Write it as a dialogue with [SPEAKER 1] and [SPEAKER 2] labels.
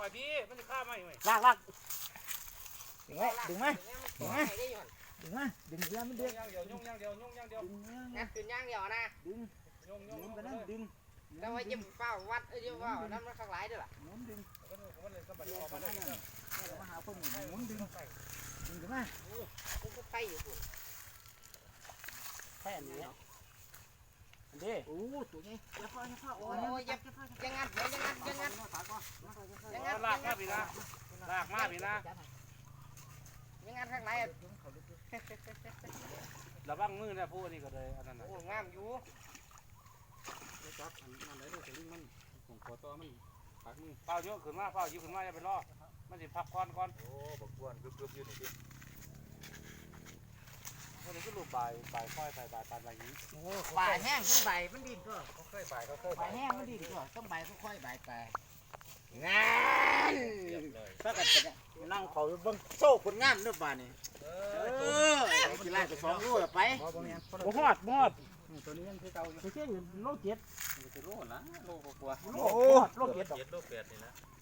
[SPEAKER 1] พี่มันจะฆ่าไหมไหม
[SPEAKER 2] ลากดึงไว้ดึงมาดึงมาดึงมาดึงเรือมันเดือด
[SPEAKER 1] ย่างเดียวย่างเดียวย่างเดียว
[SPEAKER 2] ดึงเนื้อ
[SPEAKER 3] งัดขึ้นย่างเดียวนะ
[SPEAKER 2] ดึง
[SPEAKER 1] ย่อง
[SPEAKER 2] ดึงไปนั่นดึง
[SPEAKER 3] แล้วว่ายิ้มเป้าวัดเยิ้มเป้าน้ำมันข้างหลายด้วยล่ะ
[SPEAKER 2] หมุนดึง
[SPEAKER 1] มันเลยสะบัด
[SPEAKER 2] เรือ
[SPEAKER 1] ออก
[SPEAKER 2] ไป
[SPEAKER 1] มาได้
[SPEAKER 2] นั่น
[SPEAKER 1] กัน
[SPEAKER 2] มาหาคนหมุนดึงดึงขึ้นมา
[SPEAKER 3] ผมก็ไปอยู่คุณ
[SPEAKER 2] แค่นี้อันนี้โอ้ตัวนี้อย่าพ่อโอ้ยอย่า
[SPEAKER 3] ยังงัดยังงัดยังงัดยังงัด
[SPEAKER 1] ลากมาพี่นะลากมาพี่นะ
[SPEAKER 3] ยังงัดข้างใน
[SPEAKER 1] ระวังมือนะผู้นี่ก็เลยอันนั้นนะ
[SPEAKER 3] โอ้งามอยู่
[SPEAKER 4] จับอันนั้นได้ด้วยแต่ลิงมันของขอต่อมันปากมือ
[SPEAKER 1] เฝ้าเยอะขึ้นมาเฝ้ายิ่งขึ้นมาอย่าไปรอมันสิพักก่อน
[SPEAKER 4] โอ้บักกวนกึบๆอยู่นี่พี่
[SPEAKER 1] วันนี้ก็รูปบ่ายค่อยบ่ายปานแบบนี้
[SPEAKER 2] โอ้ใบแห้งมันใบมันดินก็
[SPEAKER 4] เขาเคยบ่ายเขาเคย
[SPEAKER 2] ใบ
[SPEAKER 4] บ่าย
[SPEAKER 2] แห้งมันดินก็ต้องใบค่อยๆใบไปงาน
[SPEAKER 4] เรียบเลย
[SPEAKER 2] ถ้ากันจะนั่งเขาเบิ่งโซ่คนงามด้วยบ้านนี่กีฬาจะ2 โลไปบ่ฮอด
[SPEAKER 4] ตัวนี้ยังคือเก่าอยู่
[SPEAKER 2] ไปเชื่ออยู่โล7
[SPEAKER 4] มันจะโลนะโลกว่า
[SPEAKER 2] โล7
[SPEAKER 4] 7โล8นี่นะ